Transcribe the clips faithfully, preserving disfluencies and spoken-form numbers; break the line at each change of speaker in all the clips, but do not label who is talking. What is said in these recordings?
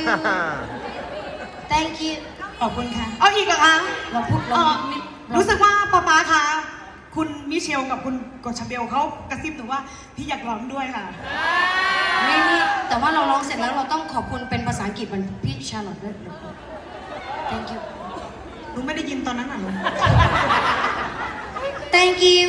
thank you
ขอบคุณค่ะเอาอีกเหรอคะ
เราพูดเรา
รู้สึกว่าป๊าป๊าคะคุณมิเชลกับคุณกอชาเบลเขากระซิบหนูว่าพี่อยากร้องด้วยค่ะ
ไม่นี่แต่ว่าเราร้องเสร็จแล้วเราต้องขอบคุณเป็นภาษาอังกฤษเหมือนพี่ชาร์ลอตด้วย thank you
หนูไม่ได้ยินตอนนั้นอ่ะ
thank you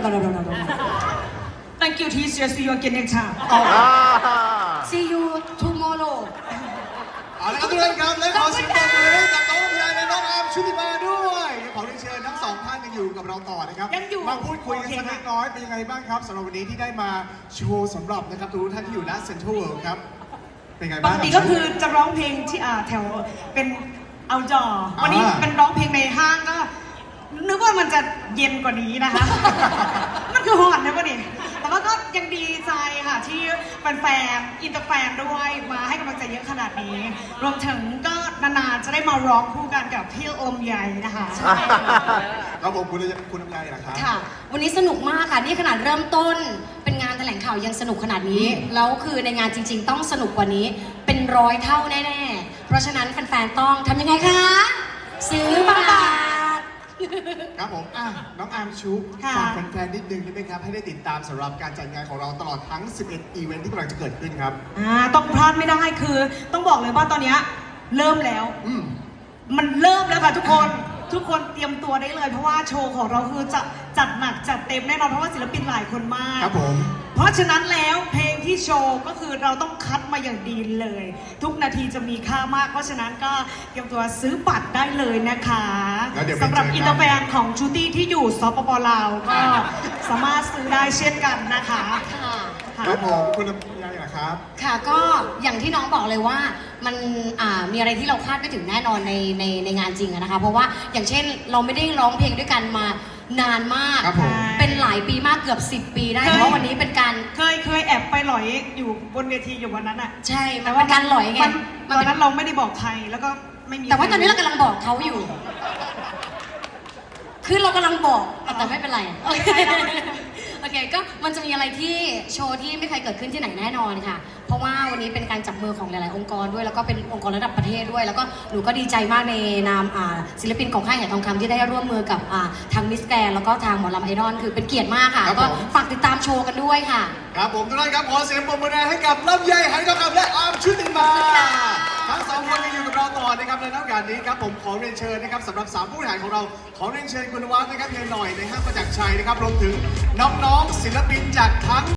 Thank you teacher see you again next time
see you tomorrow
เอาละครับทุกท่านครับและขอเสียงปรบมือให้กับน้องลำไยและน้องอาร์มชุติมาด้วยขอเรียนเชิญทั้งสองท่านยังอยู่กับเราต่อนะครับ
ยังอยู่
มาพูดคุยกันสักเล็กน้อยเป็นยังไงบ้างครับสำหรับวันนี้ที่ได้มาโชว์สำหรับนะครับทุกท่านที่อยู่ณเซ็นทรัลเวิลด์ครับเป็นไง
ป
บ้าง
กติก็คือจะร้องเพลงที่อ่าแถวเป็นเอาจอวันนี้เป็นร้องเพลงในห้างก็นึกว่ามันจะเย็นกว่านี้นะคะ มันคือฮอตนะวะนี่แต่ว่าก็ยังดีใจค่ะที่แฟนๆอินเตอร์แฟนด้วยมาให้กำลังใจเยอะขนาดนี้ รวมถึงก็นานๆจะได้มาร้องคู่กันกับพี่โอมใหญ่นะคะ
ครับผมคุณคุณลำไยเหรอครับ
ค่ะวันนี้สนุกมากค่ะนี่ขนาดเริ่มต้นเป็นงานแถลงข่าวยังสนุกขนาดนี้แล้วคือในงานจริงๆต้องสนุกกว่านี้เป็นร้อยเท่าแน่ๆเพราะฉะนั้นแฟนๆต้องทำยังไงคะซื้อบัตร
ครับผมอ่ะน้องอาร์มชุบ
ค่ะ
ฝากแฟนๆนิดนึงได้ไหมครับให้ได้ติดตามสำหรับการจัดงานของเราตลอดทั้งสิบเอ็ดอีเวนท์ที่กำลังจะเกิดขึ้นครับ
อ่าต้องพลาดไม่ได้คือต้องบอกเลยว่าตอนเนี้ยเริ่มแล้ว
อืม
มันเริ่มแล้วค่ะทุกคนทุกคนเตรียมตัวได้เลยเพราะว่าโชว์ของเราคือจะจัดหนักจัดเต็มแน่นอนเพราะว่าศิลปินหลายคนมาก
ครับผม
เพราะฉะนั้นแล้วเพลงที่โชว์ก็คือเราต้องคัดมาอย่างดีเลย ทุกนาทีจะมีค่ามาก เพราะฉะนั้นก็เตรียมตัวซื้อบัตรได้เลยนะคะ
แล้วเดี๋ยวไป
สำหรับ
เจอกัน
อินเตอร์แฟนของชูตี้ที่อยู่สปปลาวก็สามารถซื้อได้เช่นกันนะคะ
ค่ะ
ค่ะ
ครับผมคุณลำไยเหรอครับ
ค่ะก็อย่างที่น้องบอกเลยว่ามันอ่ามีอะไรที่เราคาดไม่ถึงแน่นอนในในในงานจริงอะนะคะเพราะว่าอย่างเช่นเราไม่ได้ร้องเพลงด้วยกันมานานมาก
ครับผม
เป็นหลายปีมากเกือบสิบปีได้เพราะว่าวันนี้เป็นการ
เคยเคยแอบไปหลอยอยู่บนเวทีอยู่วันนั้นอะ
ใช่มันเป็นการหลอยไง
มันต
มัน
อน
เป็น
นั้นเราไม่ได้บอกใครแล้วก็ไม่มี
แต่ว่าตอนนี้เรากำลังบอกเขาอยู่ คือเรากำลังบอกแต่ไม่เป็นไรโอเคโอเคก็มันจะมีอะไรที่โชว์ที่ไม่เคยเกิดขึ้นที่ไหนแน่นอนค่ะ เพราะว่าวันนี้เป็นการจับมือของหลาย ๆ องค์กรด้วยแล้วก็เป็นองค์กรระดับประเทศด้วย แล้วก็หนูก็ดีใจมากในนามอ่าศิลปินของค่ายแห่งทองคำที่ได้ร่วมมือกับอ่าทางมิสแกรนแล้วก็ทางหมอลำไอดอลคือเป็นเกียรติมากค่ะ
ครับ
ก็
ผม
ฝากติดตามโชว์กันด้วยค่ะ
ครับผมทุกท่านครับขอเสียงปรบมือให้กับลำไยหายทองคำและอาร์มชุติมาทั้งสองคนยังอยู่กับเราต่อนะครับในโอกาสนี้ครับผมขอเรียนเชิญนะครับสำหรับสามผู้บริหารของเราขอเรียนเชิญคุณวัฒน์นะครับเฮียหน่อยในห้างประจักษ์ชัยนะครับรวมถึงน้องๆศิลปินจากทั้ง